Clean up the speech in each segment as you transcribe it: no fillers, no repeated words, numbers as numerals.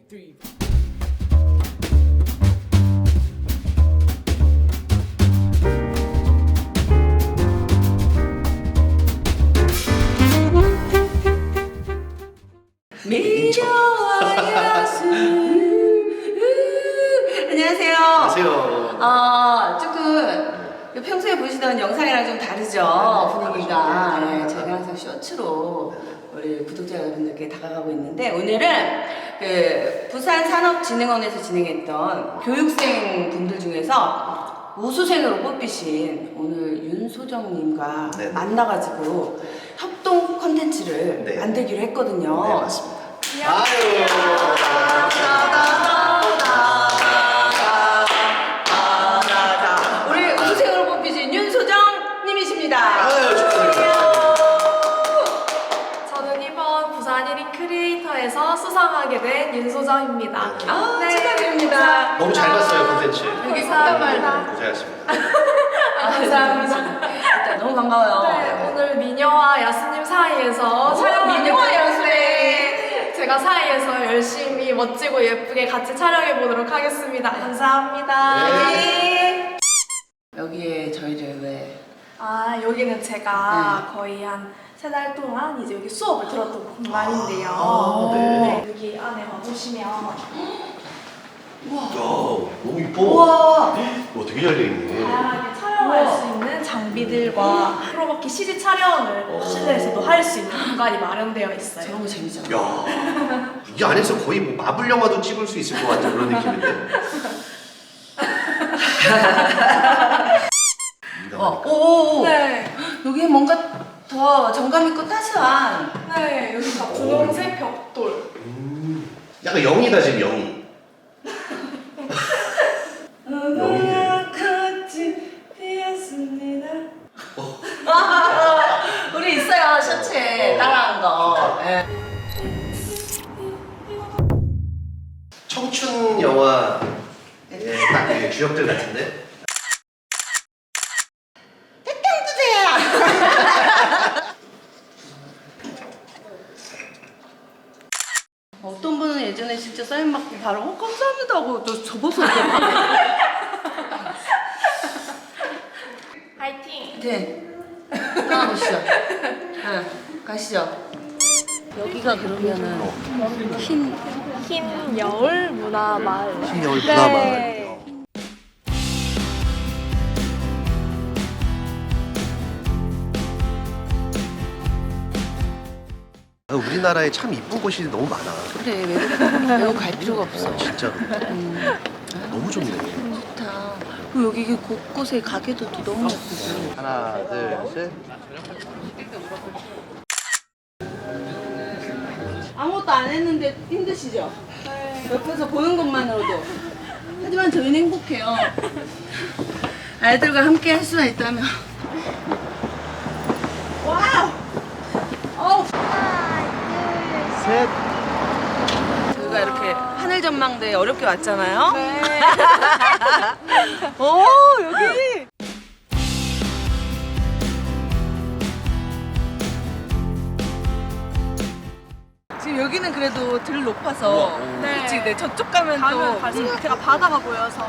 3. 미녀와 야수. 안녕하세요. 안녕하세요. 조금 평소에 보시던 영상이랑 좀 다르죠, 분위기가. 네, 제가 항상 쇼츠로 우리 구독자 여러분들께 다가가고 있는데, 오늘은 그 부산산업진흥원에서 진행했던 교육생 분들 중에서 우수생으로 뽑히신 오늘 윤소정님과 네. 만나가지고 협동 컨텐츠를 네. 만들기로 했거든요. 네, 맞습니다. 아유, 우리 우수생으로 뽑히신 윤소정님이십니다. 아유, 축하드립니다. 저는 이번 부산 1위 크리에이터에서 수상하게 된 윤소정입니다. 축하드립니다. 너무 잘 봤어요, 콘텐츠. 여기 감사합니다. 꽃다발. 고생하셨습니다. 감사합니다. 일단 너무 반가워요. 네, 오늘 미녀와 야수님 사이에서 촬영을 미녀와 하게 야수. 됐는데 제가 사이에서 열심히 멋지고 예쁘게 같이 촬영해 보도록 하겠습니다. 감사합니다. 네. 여기에 저희를 왜? 여기는 제가 거의 한 3달 동안 이제 여기 수업을 들었던 공간인데요. 네. 여기 안에 와보시면 야, 너무 이뻐. 우와. 되게 잘 되어있네. 다양하게 촬영할 수 있는 장비들과 프로버키 CG 촬영을 실내에서도 할 수 있는 공간이 마련되어 있어요. 저런 거 재밌잖아. 야, 이 안에서 거의 뭐 마블 영화도 찍을 수 있을 것 같은 그런 느낌인데. 오. 네, 여기 뭔가 더 정감 있고 따스한. 네 여기 다 분홍색 벽돌. 약간 영이다, 지금 영이. 영이네. 같이 피었습니다. 우리 있어요, 셔츠에 따라한 거. 예. 청춘 영화 딱그 주역들 같은데? 어떤 분은 예전에 진짜 사인 받고 바로 감사합니다 하고 또 접어서 이렇게 파이팅! 네. 떠나보시죠. 네. 가시죠. 여기가 그러면은 흰 여울 문화마을. 흰 여울 네. 문화마을. 우리나라에 참 이쁜 곳이 너무 많아. 그래 외국 갈 필요가 없어. 진짜로. 너무 좋네. 좋다. 그리고 여기 곳곳에 가게도 또 너무 예쁘고. 하나, 둘, 셋. 아무것도 안 했는데 힘드시죠? 네. 옆에서 보는 것만으로도. 하지만 저희는 행복해요. 아이들과 함께 할 수만 있다면. 와우! 어우! 셋. 저희가 이렇게 하늘 전망대에 어렵게 왔잖아요. 네. 오, 여기! 지금 여기는 그래도 들 높아서. 네. 그치, 네, 저쪽 가면 가면 또. 갈수록 제가 바다가 보여서.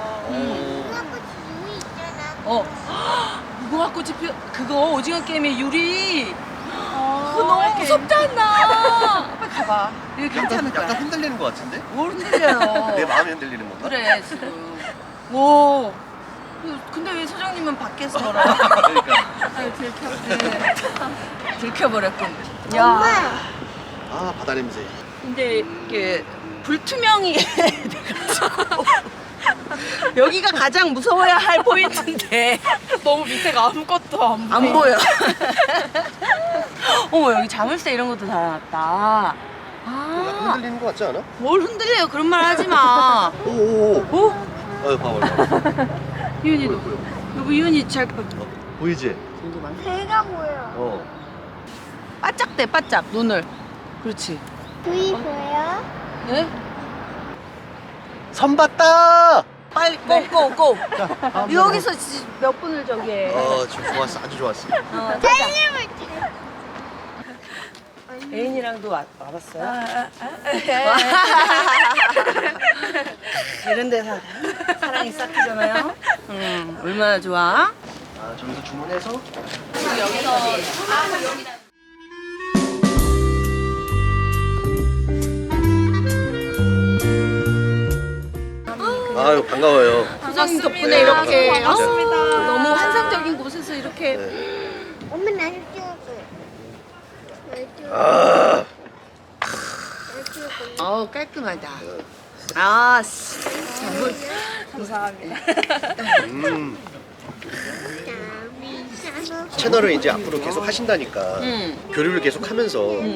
무궁화꽃이 피어, 그거 오징어 게임의 유리. 그거 그거 너무 무섭지 않나? 빨리 가봐. 이거 괜찮을 약간 거야. 흔들리는 것 같은데? 뭘 흔들려요? 내 마음이 흔들리는 건가? 그래, 지금. 오. 근데 왜 소장님은 밖에서 걸어? 그러니까. 아유, 들켜버렸군. 아, 바다 냄새. 근데 이게 불투명이 돼가지고 여기가 가장 무서워야 할 포인트인데 너무 밑에가 아무것도 안 보여. 어머, 여기 자물쇠 이런 것도 달아놨다. 약간 아, 흔들리는 것 같지 않아? 뭘 흔들려요? 그런 말 하지 마. 오오오. 오? 봐봐. 이윤이도. 여기 이윤이 잘 보이지? 배가 보여. 어. 바짝대, 바짝 눈을. 그렇지. 부위 보여? 네? 선 봤다! 빨리 고. 자, 다음 여기서 몇 분을 저기 해. 지금 좋았어. 아주 좋았어. 살림을 애인이랑도 와봤어요? 이런 데 사랑이 싹트잖아요. 얼마나 좋아? 아 저기서 주문해서 아유 반가워요. 소장님 덕분에 이렇게 반갑습니다. 너무 환상적인 곳에서 이렇게 엄마 나를 찍어줘. 날 찍어줘. 아 깔끔하다. 아, 참. 감사합니다. 채널을 이제 앞으로 계속 하신다니까 교류를 계속 하면서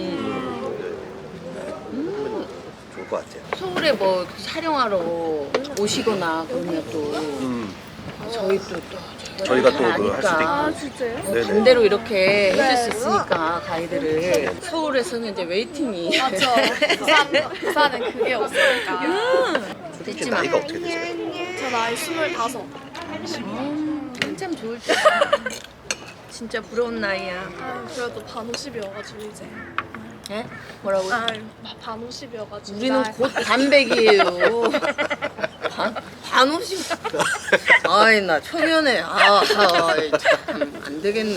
좋을 것 같아요. 서울에 뭐 촬영하러 오시거나 그러면 또 저희 또 저희가 또 그 할 수도 아니까. 있고. 진짜요? 네네. 반대로 이렇게 해줄 수 있으니까 가이드를 서울에서는 이제 웨이팅이 맞죠. 부산은 그게 없으니까. 혹시 나이가 어떻게 되세요? 저 나이 25. 한참 좋을 때 진짜 부러운 나이야. 아유, 그래도 반 50이어가지고 이제. 예? 뭐라고? 아유, 반 50이어가지고. 우리는 곧 반백이에요. 반 50. 아이 나 초면에 안 되겠네.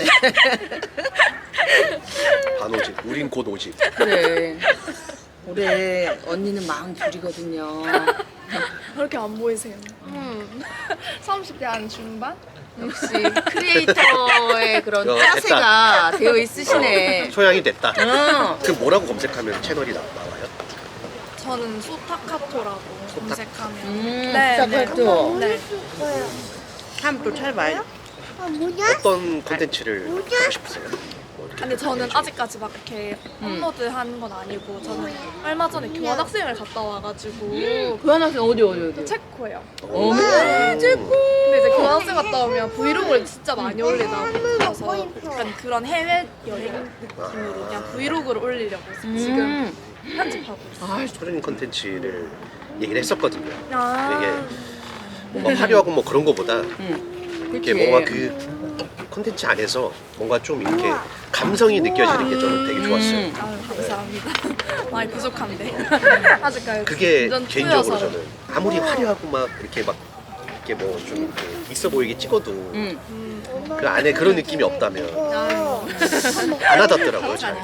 반 50. 우린 곧 50. 그래. 올해 언니는 42이거든요. 그렇게 안 보이세요? 30대 한 중반? 역시 크리에이터의 그런 야, 짜세가 되어 있으시네. 소양이 됐다. 응. 그 뭐라고 검색하면 채널이 나와요? 저는 소타카토라고 검색하면. 스타카토. 네. 한번 또 찾아봐요. 뭐냐? 어떤 콘텐츠를 하고 싶으세요? 근데 저는 아직까지 막 이렇게 업로드 하는 건 아니고 저는 얼마 전에 교환학생을 갔다 와가지고 교환학생 어디? 체코예요. 어머, 체코. 근데 이제 교환학생 갔다 오면 브이로그를 진짜 많이 올리다 보셔서 약간 그런 해외 여행 느낌으로 그냥 브이로그를 올리려고 지금 편집하고 있어요. 아, 소련인 콘텐츠를 얘기를 했었거든요. 아. 이게 뭔가 화려하고 뭐 그런 거보다 이렇게 뭔가 그 콘텐츠 안에서 뭔가 좀 이렇게 감성이 느껴지는 게 저는 되게 좋았어요. 아유, 감사합니다. 많이 부족한데 아직까지 그게 완전 개인적으로 투여서. 저는 아무리 화려하고 막 이렇게 뭐 좀 있어 보이게 찍어도 그 안에 그런 느낌이 없다면 안 와닿더라고요. 저는.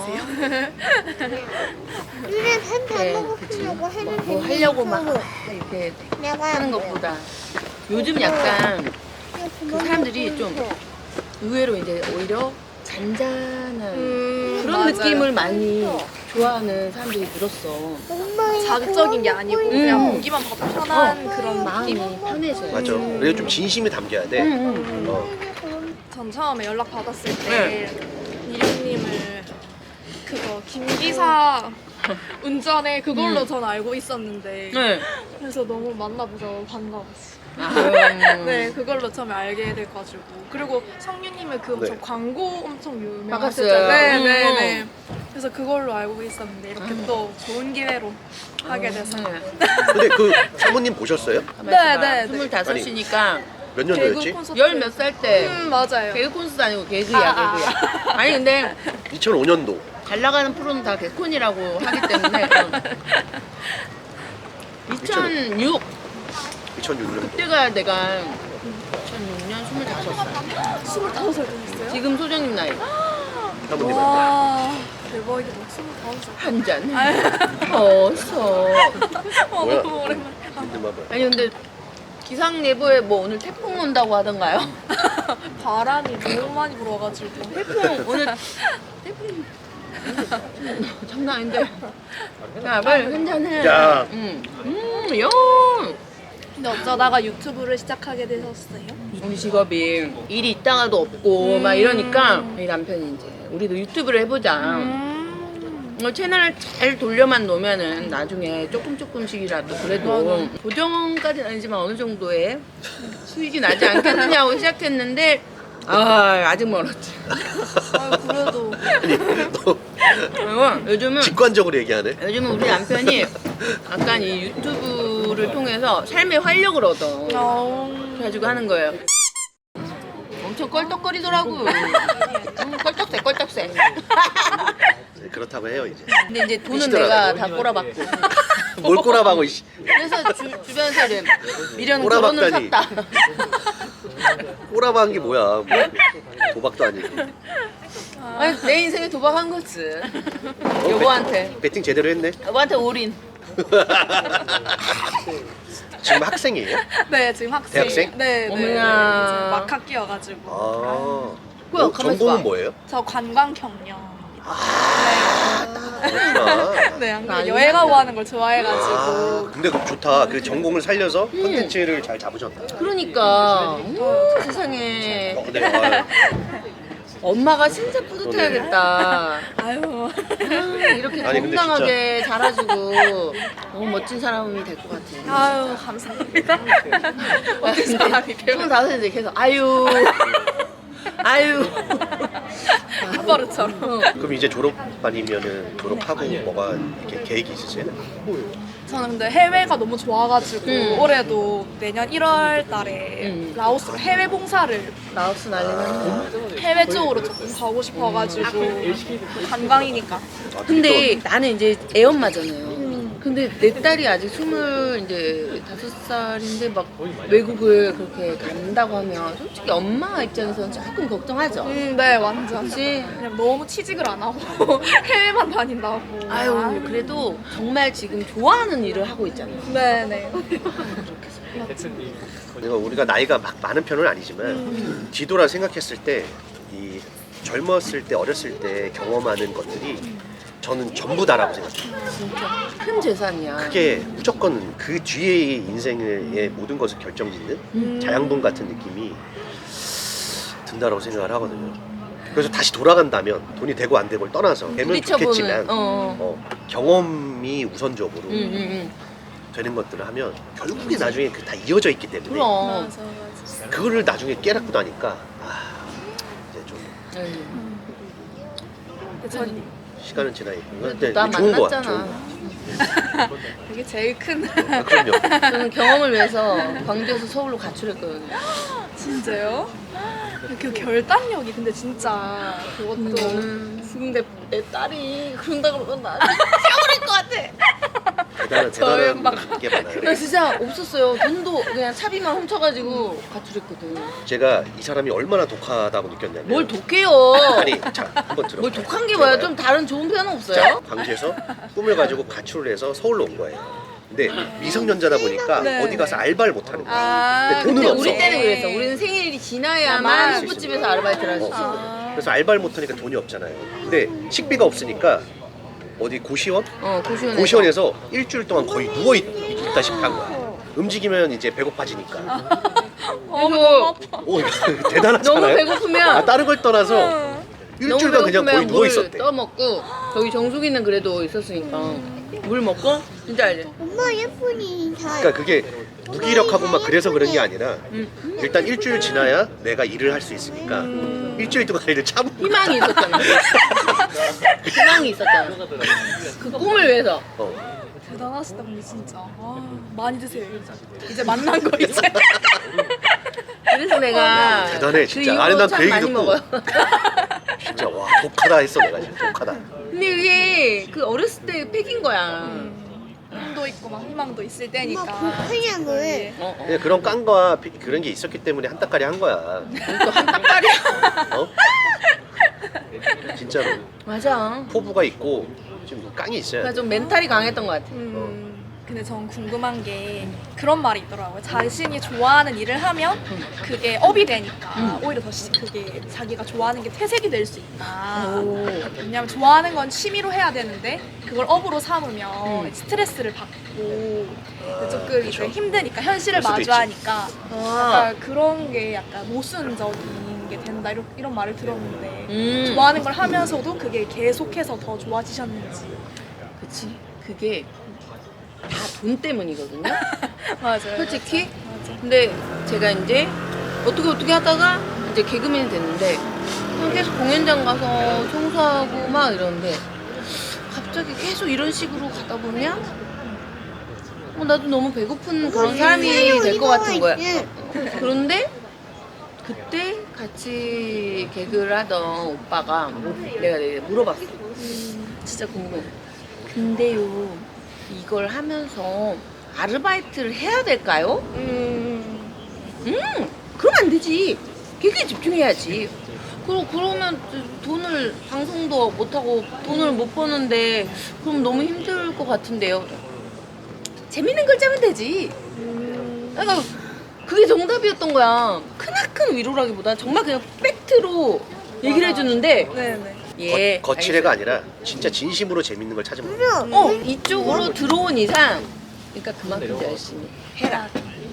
우리는 햄 먹으려고 했는데 뭐 하려고 막 이렇게 내가 하는 것보다 요즘 약간 그 사람들이 좀 의외로 이제 오히려 잔잔한 그런 맞아요. 느낌을 많이 좋아하는 사람들이 늘었어. 자극적인 게 아니고 그냥 보기만 봐도 편한 그런 마음이 느낌. 편해져요. 맞아. 그래서 좀 진심이 담겨야 돼. 어. 전 처음에 연락 받았을 때 네. 이룡님을 그거 김기사 운전해 그걸로 전 알고 있었는데 네. 그래서 너무 만나보서 반가웠어요. 아유. 네, 그걸로 처음에 알게 돼가지고 그리고 성유님은 그 엄청 네. 광고 엄청 바꿨어요. 유명하셨잖아요. 네. 그래서 그걸로 알고 있었는데 이렇게 또 좋은 기회로 하게 돼서 네. 근데 그 사모님 보셨어요? 네. 25이니까 몇 개그 년도였지? 콘서트 열 몇 살 때 맞아요. 개그 콘서트 아니고 개그야 개그야. 아니 근데 2005년도. 잘 나가는 프로는 다 개콘이라고 하기 때문에 2006 2006년. 그때가 내가 2006년 25살 25살 되셨어요? 지금 소정님 나이 사모님한테. 와 대박이다. 25살. 한잔 어서 뭐야? 너무 오랜만에. 근데 봐봐. 아니 근데 기상 예보에 뭐 오늘 태풍 온다고 하던가요? 바람이 너무 많이 불어가지고 태풍 오늘 태풍 장난 아닌데 야 빨리 한잔해 야. 영 근데 어쩌다가 유튜브를 시작하게 되셨어요? 우리 직업이 일이 있다가도 없고 막 이러니까 우리 남편이 이제 우리도 유튜브를 해보자 채널을 잘 돌려만 놓으면은 나중에 조금씩이라도 그래도 고정까지는 아니지만 어느 정도의 수익이 나지 않겠느냐고 시작했는데 아직 멀었지. 그래도 아니, 너 그리고 요즘은 직관적으로 얘기하네. 우리 남편이 약간 이 유튜브를 통해서 삶의 활력을 얻어. 그래가지고 하는 거예요. 엄청 껄떡거리더라고. 껄떡새. 그렇다고 해요 이제. 근데 이제 돈은 삐지더라고요. 내가 다 꼬라박고. 뭘 꼬라박고 이씨. 그래서 주변에서 이제 미련 꼬라박다니. 결혼을 샀다. 꼬라박은 게 뭐야? 뭐, 도박도 아니고. 아니, 내 인생에 도박한 거지. 여보한테. 배팅 제대로 했네. 여보한테 올인. 지금 학생이에요? 네, 지금 학생. 대학생? 네, 네. 어머나. 이제 막 학기여가지고. 아. 뭐야, 가만있어 봐. 전공은 뭐예요? 저 관광 경영. 그렇구나. 네, 안 그래도 아니야. 여행하고 하는 걸 좋아해가지고. 아, 근데 그 좋다. 그 전공을 살려서 콘텐츠를 잘 잡으셨다. 그러니까. 세상에. 네, 아, 엄마가 진짜 뿌듯해야겠다. 아유. 이렇게 아니, 근데 건강하게 자라주고 너무 멋진 사람이 될 것 같아. 아유, 감사합니다. 멋진 사람이 되고. 25인데 계속 아유. 아유. 아빠르처럼. 그럼 이제 졸업 아니면은 졸업하고 뭐가 이렇게 계획이 있으세요? 저는 근데 해외가 너무 좋아가지고 음. 올해도 내년 1월 달에 라오스로 해외 봉사를 라오스 난리났네. 해외 쪽으로 조금 가고 싶어가지고 관광이니까. 아, 근데 나는 이제 애엄마잖아요. 근데 내 딸이 아직 25살인데 막 외국을 그렇게 간다고 하면 솔직히 엄마 입장에서는 조금 걱정하죠. 네, 완전. 그치? 그냥 너무 취직을 안 하고 해외만 다닌다고. 아유, 그래도 정말 지금 좋아하는 일을 하고 있잖아요. 네네. 내가 우리가 나이가 막 많은 편은 아니지만 뒤돌아 생각했을 때 이 젊었을 때 어렸을 때 경험하는 것들이 저는 전부 다라고 생각해요. 진짜 큰 재산이야. 그게 무조건 그 뒤에 인생의 모든 것을 결정짓는 자양분 같은 느낌이 든다라고 생각을 하거든요. 그래서 다시 돌아간다면 돈이 되고 안 되고를 떠나서 되면 부딪혀보는, 좋겠지만 경험이 우선적으로 응. 되는 것들을 하면 결국에 나중에 그 다 이어져 있기 때문에 그럼. 맞아, 맞아. 그거를 나중에 깨닫고 나니까 이제 좀 전 시간은 지나 있고 그래도 나 좋은 거야. 만났잖아. 좋은 거. 이게 제일 큰. 아, 그럼요. 저는 경험을 위해서 광주에서 서울로 가출했거든요. 진짜요? 그 결단력이 근데 진짜 그것도. 근데 내 딸이 그런다 그러면 나 세워버릴 것 같아. 대단한 막- 게 많아요. 나 진짜 없었어요. 돈도 그냥 차비만 훔쳐가지고 가출했거든. 제가 이 사람이 얼마나 독하다고 느꼈냐면 뭘 독해요? 아니 자 한번 들어. 뭘 독한 게 뭐야? 좀 다른 좋은 표현 자, 없어요? 광주에서 꿈을 가지고 가출을 해서 서울로 온 거예요. 근데 미성년자다 보니까 네. 어디 가서 알바를 못 하는 거야. 아, 근데 돈은 근데 없어. 우리 때는 그랬어. 우리는 생일이 지나야만 야만 호프집에서 아르바이트를 할 수 있어. 어. 그래서 알바를 못 하니까 돈이 없잖아요. 근데 식비가 없으니까 어디 고시원? 고시원에서. 고시원에서 일주일 동안 거의 누워 있다시피 한 거야. 움직이면 이제 배고파지니까. 그래서 오, 대단하잖아요. 너무 배고프면 아, 다른 걸 떠나서 일주일간 그냥 거의 누워 있었대. 떠먹고 저기 정수기는 그래도 있었으니까 물 먹고 진짜 알지? 엄마 예쁜이 잘. 그러니까 그게 무기력하고 막 그래서 그런 게 아니라 일단 일주일 지나야 내가 일을 할 수 있으니까 일주일 동안 일을 참고 희망이 있었잖아. 희망이 있었잖아. 그 꿈을 위해서. 대단하시다 근데 진짜. 아, 많이 드세요. 이제 만난 거 이제. 그래서 내가 대단해, 진짜. 그 아니, 이후로 난그 참 얘기 많이 듣고. 먹어요. 진짜 와 독하다 했어 내가 진짜 독하다. 근데 이게 그 어렸을 때 팩인 거야. 꿈도 있고 막 희망도 있을 엄마 때니까. 그냥을. 그냥 그런 깡과 그런 게 있었기 때문에 한 닭가리 한 거야. 또한 닭다리야. 어? 진짜로 맞아. 포부가 있고 좀 깡이 있어야 그러니까 돼. 좀 멘탈이 강했던 것 같아. 근데 전 궁금한 게 그런 말이 있더라고요. 자신이 좋아하는 일을 하면 그게 업이 되니까 오히려 더 그게 자기가 좋아하는 게 퇴색이 될 수 있다. 왜냐면 좋아하는 건 취미로 해야 되는데 그걸 업으로 삼으면 스트레스를 받고 조금 이제 힘드니까 현실을 그럴 수도 마주하니까 아. 약간 그런 게 약간 모순적인 게 된다 이런 말을 들었는데 좋아하는 걸 하면서도 그게 계속해서 더 좋아지셨는지. 그치. 그게 다 돈 때문이거든요. 맞아요. 솔직히. 근데 제가 이제 어떻게 하다가 이제 개그맨이 됐는데 그냥 계속 공연장 가서 청소하고 막 이러는데 갑자기 계속 이런 식으로 가다 보면 나도 너무 배고픈 그런 사람이 될 것 같은 거야. 그런데 그때 같이 개그를 하던 오빠가 내가 물어봤어. 진짜 궁금해. 근데요, 이걸 하면서 아르바이트를 해야 될까요? 그럼 안 되지. 개그에 집중해야지. 그러면 돈을 방송도 못하고 돈을 못 버는데 그럼 너무 힘들 것 같은데요. 재밌는 걸 짜면 되지. 그러니까 그게 정답이었던 거야. 크나큰 위로라기보다 정말 그냥 팩트로 얘기를 해주는데 네네. 예, 거칠애가 아니라 진짜 진심으로 재밌는 걸 찾으면 돼. 이쪽으로 들어온 이상 그러니까 그만큼 열심히 해라.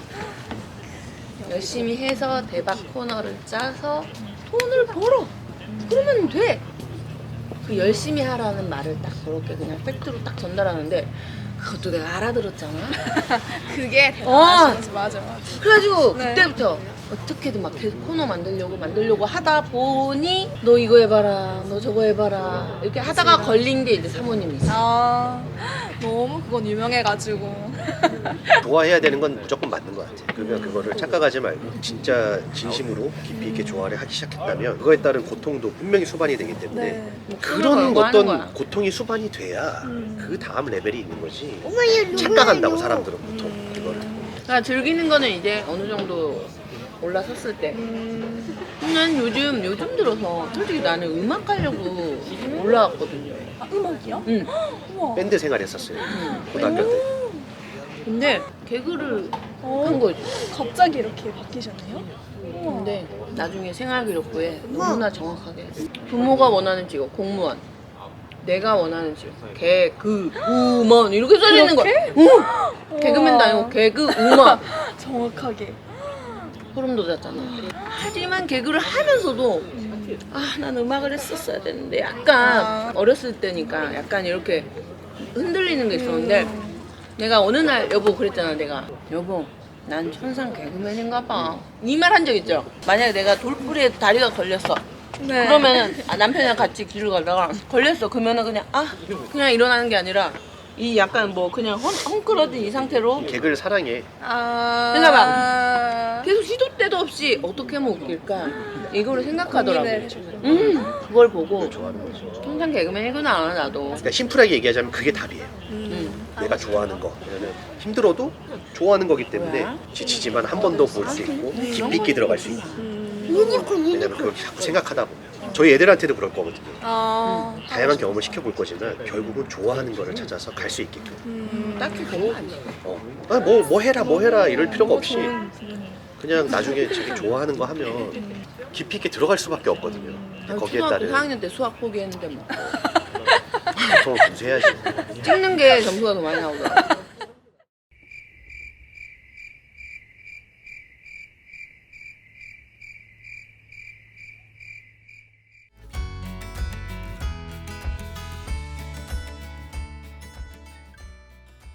열심히 해서 대박 코너를 짜서 돈을 벌어. 그러면 돼. 그 열심히 하라는 말을 딱 그렇게 그냥 팩트로 딱 전달하는데 그것도 내가 알아들었잖아. 그게 대단하시지. 맞아. 그래가지고 네. 그때부터 어떻게든 막 계속 코너 만들려고 하다 보니 너 이거 해봐라, 너 저거 해봐라 이렇게 하다가 걸린 게 이제 사모님이 있어. 아, 너무 그건 유명해가지고. 좋아해야 되는 건 무조건 맞는 것 같아. 그러면 그거를 착각하지 말고 진짜 진심으로 깊이 있게 좋아를 하기 시작했다면 그거에 따른 고통도 분명히 수반이 되기 때문에 네. 그런 걸고 하는 거야. 어떤 고통이 수반이 돼야 그 다음 레벨이 있는 거지. 엄마 얘 착각한다고 사람들은 보통 그거를. 그러니까 즐기는 거는 이제 어느 정도 올라섰을 때. 난 요즘 들어서 솔직히 나는 음악 하려고 올라왔거든요. 아, 음악이요? 응. 우와. 밴드 생활했었어요. 고등학교 때. 근데 개그를 어, 한 거지. 갑자기 이렇게 바뀌셨네요? 우와. 근데 나중에 생활기록부에 너무나 정확하게 부모가 원하는 직업 공무원, 내가 원하는 직업 개그우먼 이렇게 써있는 거야. 응. 개그맨도 아니고 개그우먼. 정확하게. 소름 돋았잖아. 하지만 개그를 하면서도 난 음악을 했었어야 되는데 약간 어렸을 때니까 약간 이렇게 흔들리는 게 있었는데 내가 어느 날 여보 그랬잖아. 내가 여보 난 천상 개그맨인가 봐. 이 말 한 적 있죠. 만약에 내가 돌부리에 다리가 걸렸어. 네. 그러면은 남편이랑 같이 길을 가다가 걸렸어. 그러면은 그냥 일어나는 게 아니라 이 약간 뭐 그냥 헝클어진 이 상태로 개그를 사랑해. 아. 생각해봐. 계속 시도 때도 없이 어떻게 하면 웃길까 이거를 생각하더라고. 고민을 해주셨구나. 그걸 보고 좋아하는 거죠. 통상 개그맨이구나 나도. 그러니까 심플하게 얘기하자면 그게 답이에요. 내가 좋아하는 거. 왜냐면 힘들어도 좋아하는 거기 때문에 뭐야? 지치지만 한 번 더 볼 수 있고 깊이 있게 들어갈 수 있고. 왜냐면 그걸 자꾸 생각하다 보면 저희 애들한테도 그럴 거거든요. 아. 다양한 경험을 시켜볼 거지만 결국은 좋아하는 거를 찾아서 갈 수 있게끔. 딱히 그거 아니야. 뭐 해라 이럴 필요가 없이 그냥 나중에 자기 좋아하는 거 하면 깊이 있게 들어갈 수밖에 없거든요. 거기에 초등학교 따른 4학년 때 수학 포기했는데 뭐 보통 분쇄해야지. 찍는 게 점수가 더 많이 나오더라고.